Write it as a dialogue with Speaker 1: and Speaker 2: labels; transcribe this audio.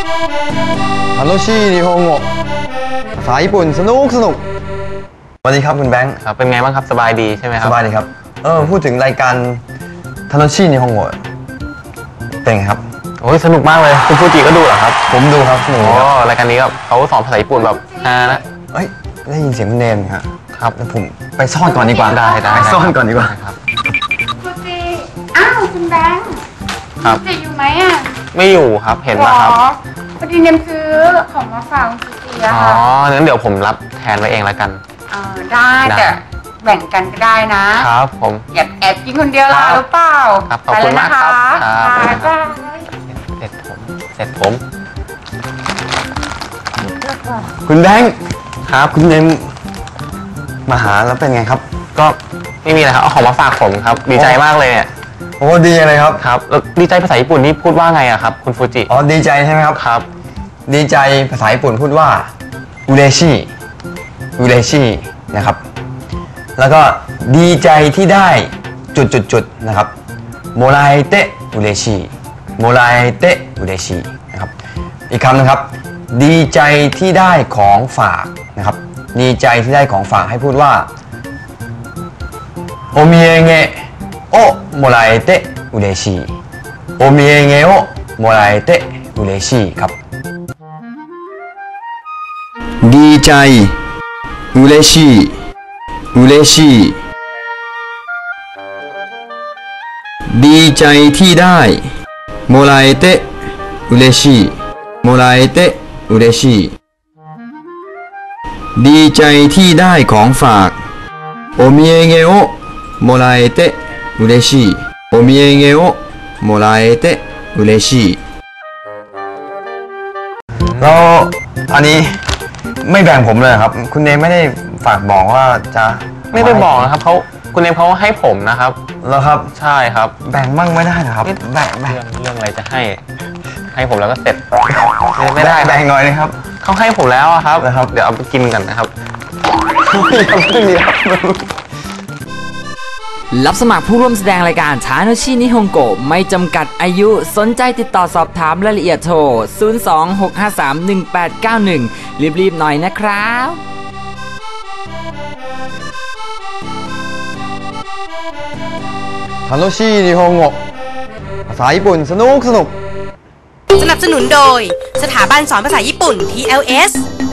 Speaker 1: 楽しい日本語ภาษาญี่ปุ่นสนุกสวัสดีครับคุณแบงค์
Speaker 2: ครับเป็นไงบ้างครับสบายดีใช่ไหมครับ
Speaker 1: สบายดีครับพูดถึงรายการทาโนชินิฮงโงะเป็นไงครับ
Speaker 2: โอ้ยสนุกมากเลยคุณฟูจิก็ดูเหรอครับ
Speaker 1: ผมดูครับสนุกครับ
Speaker 2: รายการนี้เขาสอนภาษาญี่ปุ่นแบบฮานะ
Speaker 1: เอ้ยได้ยินเสียงคุณเนมครับแล้วผมไปซ่อนก่อนดีกว่า
Speaker 2: ได้
Speaker 1: ไปซ่อนก่อนดีกว่า
Speaker 2: ครับ
Speaker 3: ฟูจิอ้าวคุณแบงค์
Speaker 2: ครับ
Speaker 3: ฟูจิอยู่ไหมอ่ะ
Speaker 2: ไม่อยู่ครับเห็นป่ะครับ
Speaker 3: พอดีเนมซื้อของมาฝากฟูจิอะค่ะ
Speaker 2: งั้นเดี๋ยวผมรับแทนไว้เองแล้วกัน
Speaker 3: ได้แต่แบ่งกันก็ได้นะครับ
Speaker 2: ผม
Speaker 3: แอบกินคนเดียวล่ะหรือเปล่า
Speaker 2: ครับขอบคุณมากครับเสร็จผม
Speaker 1: คุณแบงค์
Speaker 2: ครับ
Speaker 1: คุณเนมมาหาแล้วเป็นไงครับ
Speaker 2: ก็ไม่มีอะไรครับเอาของมาฝากผมครับดีใจมากเลยเนี่ย
Speaker 1: โอ้ดีอะไรครับ
Speaker 2: ครับแล้วดีใจภาษาญี่ปุ่นนี่พูดว่าไงอะครับคุณฟูจิ
Speaker 1: ดีใจใช่ไหมครับ
Speaker 2: ครับ
Speaker 1: ดีใจภาษาญี่ปุ่นพูดว่าอุเรชินะครับแล้วก็ดีใจที่ได้จุดนะครับโมราเอเตะอุเรชินะครับอีกคำนึงครับดีใจที่ได้ของฝากนะครับดีใจที่ได้ของฝากให้พูดว่าโอมิเอเงะโอโมราเอเตะอุเรชิโอมิเอเงะโอโมราเอเตะอุเรชิครับดีใจอุเรชิดีใจที่ได้โมราเอเตะอุเรชิดีใจที่ได้ของฝากโอมิเอเงะโอโมราเอเตะอุเรชิแล้วอันนี้ไม่แบ่งผมเลยครับคุณเนมไม่ได้ฝากบอกว่าจะ
Speaker 2: ไม่ได้บอกนะครับคุณเนมเขาให้ผมนะครับ
Speaker 1: แล้วครับ
Speaker 2: ใช่ครับ
Speaker 1: แบ่งบ้างไม่ได้นะครับแบ่ง
Speaker 2: เรื่องอะไรจะให้ผมแล้วก็เสร็จไม่ได้
Speaker 1: แบ่งหน่อยนะครับ
Speaker 2: เขาให้ผมแล้วครับเดี๋ยวเอาไปกินกันนะครับ
Speaker 4: รับสมัครผู้ร่วมแสดงรายการทาโนชินิฮงโกะไม่จำกัดอายุสนใจติดต่อสอบถามรายละเอียดโทร 026531891 รีบๆหน่อยนะครับ
Speaker 1: ทาโนชินิฮงโงะภาษาญี่ปุ่นสนุก
Speaker 5: สนับสนุนโดยสถาบันสอนภาษาญี่ปุ่น TLS